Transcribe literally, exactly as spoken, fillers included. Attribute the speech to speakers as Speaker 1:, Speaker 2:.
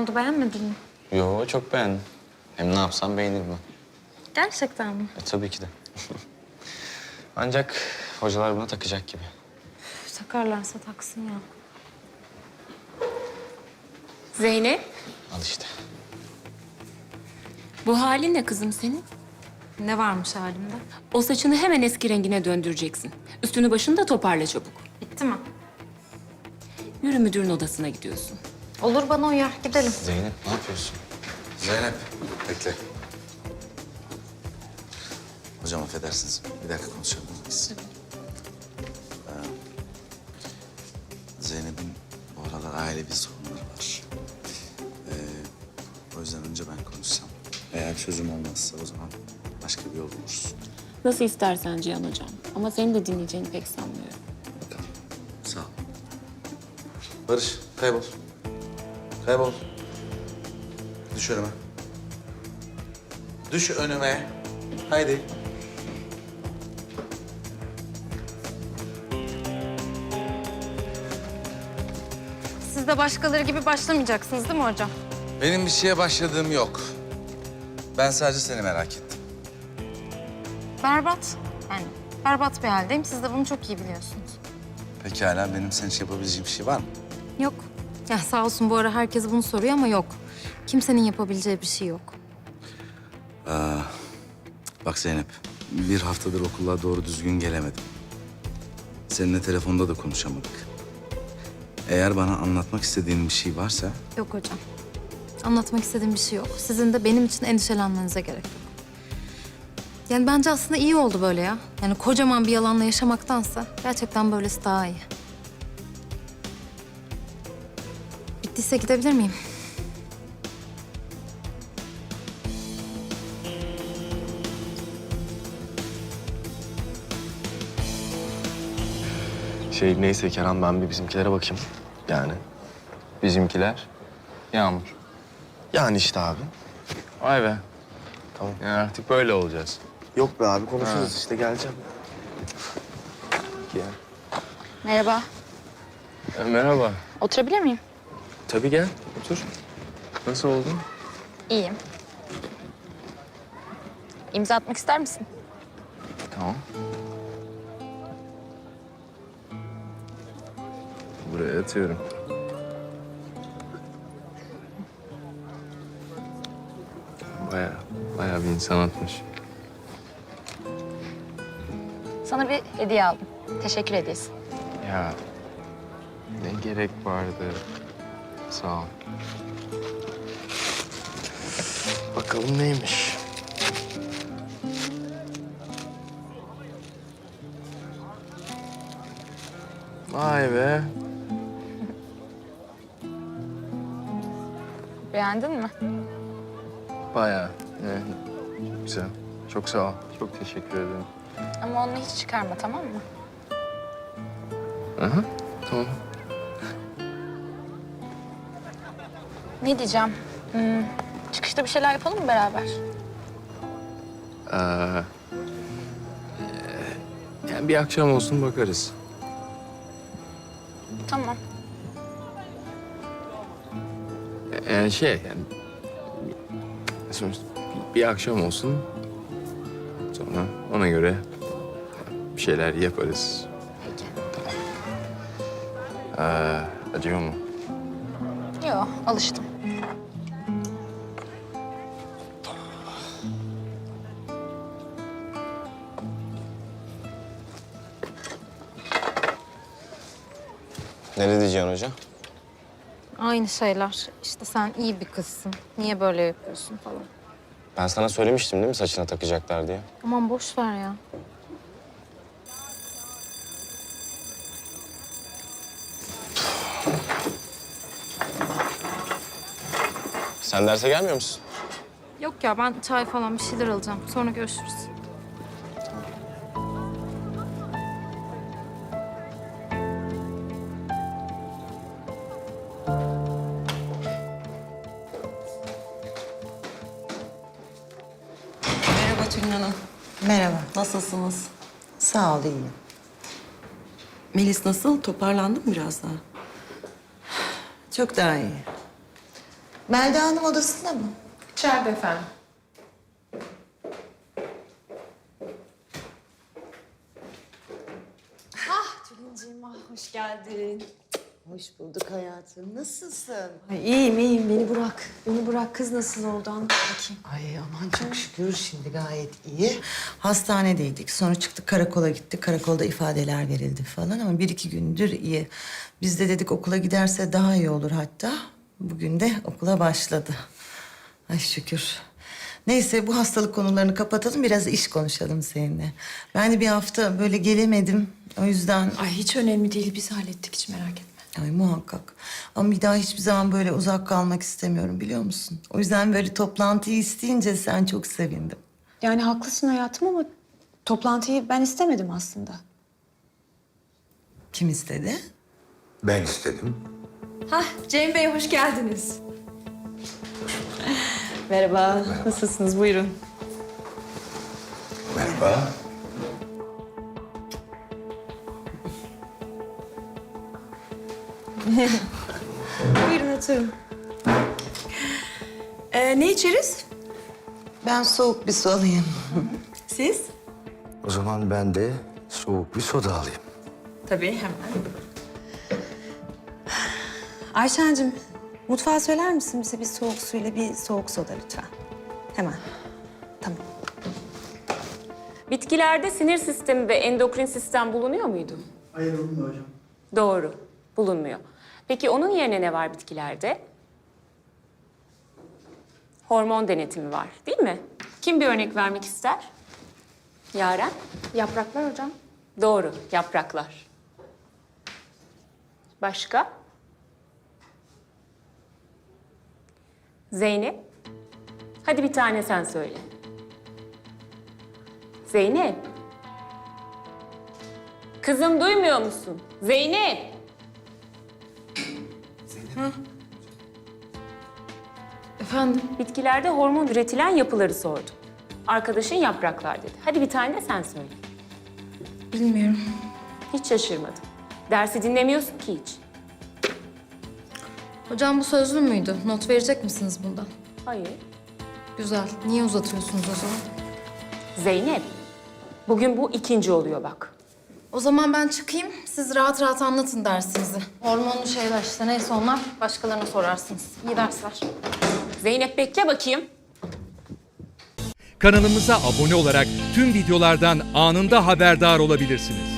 Speaker 1: oldu, beğenmedin mi?
Speaker 2: Yo, çok beğendim. Hem ne yapsam beğenirim ben.
Speaker 1: Gerçekten mi?
Speaker 2: E, tabii ki de. Ancak hocalar buna takacak gibi.
Speaker 1: Üf, takarlarsa taksın ya.
Speaker 3: Zeynep,
Speaker 2: Al işte.
Speaker 3: bu halin ne kızım senin?
Speaker 1: Ne varmış halimde?
Speaker 3: O saçını hemen eski rengine döndüreceksin. Üstünü başını da toparla çabuk.
Speaker 1: Bitti mi?
Speaker 3: Yürü müdürün odasına gidiyorsun.
Speaker 1: Olur, bana uyar. Gidelim.
Speaker 2: Zeynep, ne yapıyorsun?
Speaker 4: Zeynep, bekle. Hocam affedersiniz, bir dakika konuşalım biz. Ee, Zeynep'in bu aralar ailevi sorunları var. Ee, o yüzden önce ben konuşsam. Eğer çözüm olmazsa o zaman başka bir yol buluruz.
Speaker 3: Nasıl istersen Cihan hocam. Ama seni de dinleyeceğini pek sanmıyorum.
Speaker 4: Bakalım. Sağ ol. Barış, kaybol. Kaybol. Düş önüme. Düş önüme. Haydi.
Speaker 1: Siz de başkaları gibi başlamayacaksınız değil mi hocam?
Speaker 4: Benim bir şeye başladığım yok. Ben sadece seni merak ettim.
Speaker 1: Berbat. Yani berbat bir haldeyim. Siz de bunu çok iyi biliyorsunuz.
Speaker 4: Pekala, benim senin için yapabileceğim bir şey var mı?
Speaker 1: Yok. Ya sağ olsun bu ara herkes bunu soruyor ama yok. Kimsenin yapabileceği bir şey yok.
Speaker 4: Aa, bak Zeynep, bir haftadır okula doğru düzgün gelemedim. Seninle telefonda da konuşamadık. Eğer bana anlatmak istediğin bir şey varsa...
Speaker 1: Yok hocam. Anlatmak istediğim bir şey yok. Sizin de benim için endişelenmenize gerek yok. Yani bence aslında iyi oldu böyle ya. Yani kocaman bir yalanla yaşamaktansa gerçekten böylesi daha iyi. Bittiyse gidebilir miyim?
Speaker 2: Şey neyse Kerem, ben bir bizimkilere bakayım. Yani bizimkiler Yağmur. Yani işte abi.
Speaker 5: Vay be.
Speaker 2: Tamam.
Speaker 5: Yani artık böyle olacağız.
Speaker 2: Yok be abi, konuşuruz ha. işte geleceğim. Gel.
Speaker 6: Merhaba.
Speaker 5: E, merhaba.
Speaker 6: Oturabilir miyim?
Speaker 5: Tabii gel, otur. Nasıl oldun?
Speaker 6: İyiyim. İmza atmak ister misin?
Speaker 5: Tamam. Buraya atıyorum. Baya, baya bir insan atmış.
Speaker 6: Sana bir hediye aldım. Teşekkür hediyesi.
Speaker 5: Ya ne gerek vardı? Sağ ol. Bakalım neymiş? Vay be.
Speaker 6: Beğendin mi?
Speaker 5: Bayağı. Evet. Güzel. Çok sağ ol. Çok teşekkür ederim.
Speaker 6: Ama onu hiç çıkarma, tamam mı?
Speaker 5: Aha, tamam.
Speaker 6: Ne diyeceğim? Hmm, çıkışta bir şeyler yapalım mı beraber?
Speaker 5: Ee, e, yani bir akşam olsun bakarız.
Speaker 6: Tamam.
Speaker 5: E, Yani şey yani sonuçta bir, bir akşam olsun. Sonra ona göre bir şeyler yaparız.
Speaker 6: Peki.
Speaker 5: Ee, acıyor mu?
Speaker 6: Yok, alıştım.
Speaker 2: Ne diyeceksin hoca?
Speaker 1: Aynı şeyler. İşte sen iyi bir kızsın. Niye böyle yapıyorsun falan.
Speaker 2: Ben sana söylemiştim değil mi saçına takacaklar diye?
Speaker 1: Aman boş ver ya.
Speaker 2: Sen derse gelmiyor musun?
Speaker 1: Yok ya, ben çay falan bir şeyler alacağım. Sonra görüşürüz.
Speaker 7: Merhaba Tülin Hanım.
Speaker 8: Merhaba.
Speaker 7: Nasılsınız?
Speaker 8: Sağ ol, iyiyim.
Speaker 7: Melis nasıl? Toparlandı mı biraz daha?
Speaker 8: Çok daha iyi. Melda Hanım odasında mı?
Speaker 9: İçeride efendim.
Speaker 10: Tülinciğim ah hoş geldin.
Speaker 8: Hoş bulduk hayatım. Nasılsın?
Speaker 10: Ay iyiyim iyiyim beni bırak. Beni bırak kız nasıl oldu anlat bakayım.
Speaker 8: Ay aman çok şükür şimdi gayet iyi. Hastanedeydik. Sonra çıktık karakola gittik. Karakolda ifadeler verildi falan ama bir iki gündür iyi. Biz de dedik okula giderse daha iyi olur hatta. Bugün de okula başladı. Ay şükür. Neyse bu hastalık konularını kapatalım. Biraz iş konuşalım seninle. Ben de bir hafta böyle gelemedim. O yüzden...
Speaker 10: Ay hiç önemli değil biz hallettik hiç merak etme.
Speaker 8: Ay muhakkak. Ama bir daha hiçbir zaman böyle uzak kalmak istemiyorum biliyor musun? O yüzden böyle toplantıyı isteyince sen çok sevindim.
Speaker 10: Yani haklısın hayatım ama toplantıyı ben istemedim aslında.
Speaker 8: Kim istedi?
Speaker 11: Ben istedim.
Speaker 10: Hah Cem Bey hoş geldiniz. Merhaba. Nasılsınız buyurun.
Speaker 11: Merhaba.
Speaker 10: Buyurun oturun. Ee, ne içeriz?
Speaker 8: Ben soğuk bir su alayım.
Speaker 10: Siz?
Speaker 11: O zaman ben de soğuk bir soda alayım.
Speaker 10: Tabii hemen. Ayşen'cim mutfağa söyler misin bize bir soğuk suyla bir soğuk soda lütfen? Hemen. Tamam.
Speaker 3: Bitkilerde sinir sistemi ve endokrin sistem bulunuyor muydu?
Speaker 12: Hayır bulunmuyor hocam.
Speaker 3: Doğru, bulunmuyor. Peki onun yerine ne var bitkilerde? Hormon denetimi var, değil mi? Kim bir örnek vermek ister? Yaren?
Speaker 6: Yapraklar hocam.
Speaker 3: Doğru, yapraklar. Başka? Zeynep? Hadi bir tane sen söyle. Zeynep? Kızım duymuyor musun? Zeynep!
Speaker 1: Efendim?
Speaker 3: Bitkilerde hormon üretilen yapıları sordum. Arkadaşın yapraklar dedi. Hadi bir tane de sen söyle.
Speaker 1: Bilmiyorum.
Speaker 3: Hiç şaşırmadım. Dersi dinlemiyorsun ki hiç.
Speaker 1: Hocam bu sözlü müydü? Not verecek misiniz bundan?
Speaker 3: Hayır.
Speaker 1: Güzel. Niye uzatıyorsunuz o zaman?
Speaker 3: Zeynep, bugün bu ikinci oluyor bak.
Speaker 1: O zaman ben çıkayım. Siz rahat rahat anlatın dersinizi. Hormonlu şeyler işte neyse onlar. Başkalarına sorarsınız. İyi dersler.
Speaker 3: Zeynep bekle bakayım.
Speaker 13: Kanalımıza abone olarak tüm videolardan anında haberdar olabilirsiniz.